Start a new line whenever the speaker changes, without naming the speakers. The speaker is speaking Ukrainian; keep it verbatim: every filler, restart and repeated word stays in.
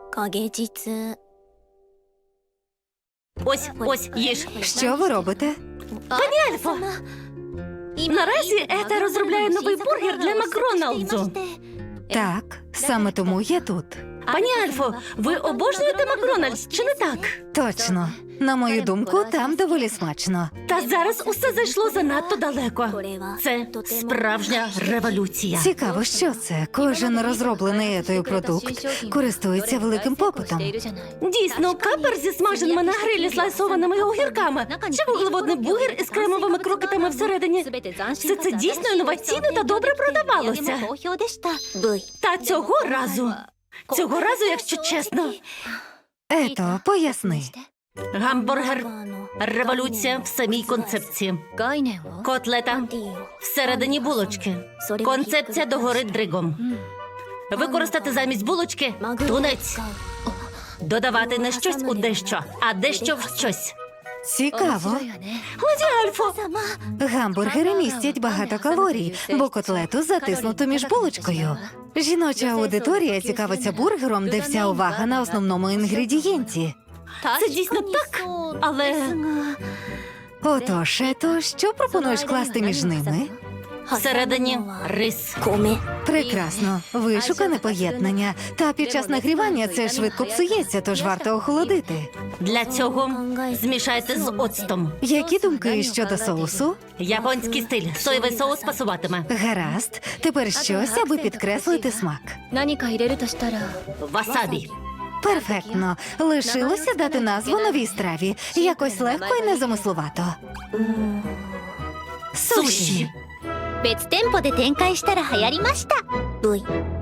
影実
Ось, ось, їж.
Що ви робите?
Пані Альфо, наразі Ета розробляє новий бургер для Макдональдсу.
Так, саме тому я тут.
Пані Альфо, ви обожнюєте Макдональдс, чи не так?
Точно. На мою думку, там доволі смачно.
Та зараз усе зайшло занадто далеко.
これは
Це справжня революція.
Цікаво, що це. Кожен розроблений етою продукт користується великим попитом.
Дійсно, капер зі смаженими на грилі слайсованими огірками чи вуглеводний бургер із кремовими крокетами всередині. Все це дійсно інноваційно та добре продавалося.
V
Та цього разу, цього разу, якщо чесно,
Ето, поясни.
гамбургер
あの
революція в самій концепції. Котлета всередині булочки. Концепція догори дригом. Використати замість булочки тунець. Додавати не щось у дещо, а дещо в щось.
Цікаво.
Леді Альфо,
Гамбургери містять багато калорій, бо котлету затиснуто між булочкою. Жіноча аудиторія цікавиться бургером, де вся увага на основному інгредієнті.
це дійсно так, але
Отож, Ето, що пропонуєш класти між ними?
всередині рис.
米
Прекрасно. Вишукане поєднання. Та під час нагрівання це швидко псується, тож варто охолодити.
Для цього змішайте з оцтом.
Які думки щодо соусу?
Японський стиль. Соєвий соус пасуватиме.
Гаразд. Тепер щось, аби підкреслити смак.
何か入れるとしたら
Васабі.
Перфектно. Лишилося дати назву новій страві. Якось легко і незамисловато.
Суші.
別店舗で展開したら流行りました
V